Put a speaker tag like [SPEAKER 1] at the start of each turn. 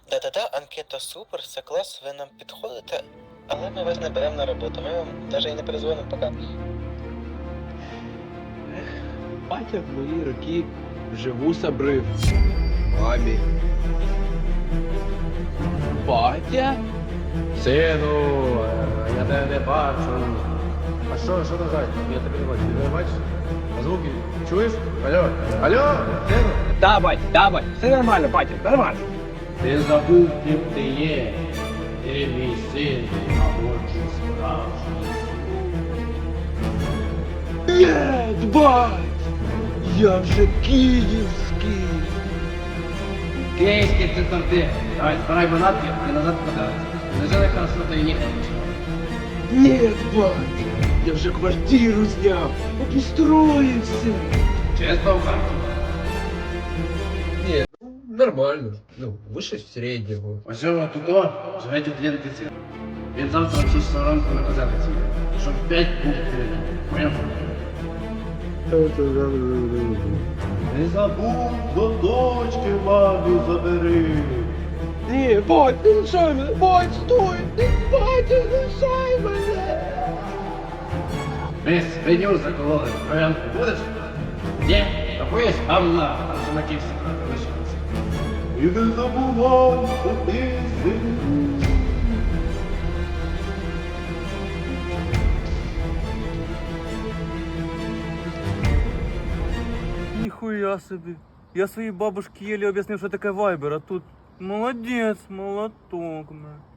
[SPEAKER 1] Да-да-да, анкета супер, все клас, ви нам підходите, але ми вас не беремо на роботу, ми вам навіть і не перезвонимо поки.
[SPEAKER 2] Батя в мої роки вже вуса брив. Мамі. Батя?
[SPEAKER 3] Сину, я тебе не бачу. А що назад? Я тебе не бачу. Ти не бачиш? А звуки чуєш? Алло? Алло? Сину?
[SPEAKER 2] Да, бать, все нормально, батя, нормально.
[SPEAKER 3] Ти забув, ким ти є. Ти мій син, народжу справжній.
[SPEAKER 2] Нет, бать! Я вже київський.
[SPEAKER 3] Київський це там ти. Давай, збирай манатки і назад подавайся. Не жили хорошо, то і їхати.
[SPEAKER 2] Нет, бать! Я вже квартиру зняв, обустроївся.
[SPEAKER 3] Чесно в карті.
[SPEAKER 4] Ні, нормально. Ну, вище середнього.
[SPEAKER 3] Ось цього тут живе один офіцер. Він завтра в 6 ранку наказається. Щоб 5 пунктів. Поняв? Не забудь, до дочки мамі забери.
[SPEAKER 2] Ні, бать, не лишай мене, бать, стой! Бать, не лишай мене!
[SPEAKER 3] Ми свиню закололи. Провянку будеш? Ні? Такої гамна. Там же накився. Лишилося. І не забувай, що ти син.
[SPEAKER 5] Ніхуя собі. Я своїй бабушці єлі об'яснив, що таке вайбер, а тут молодець, молоток.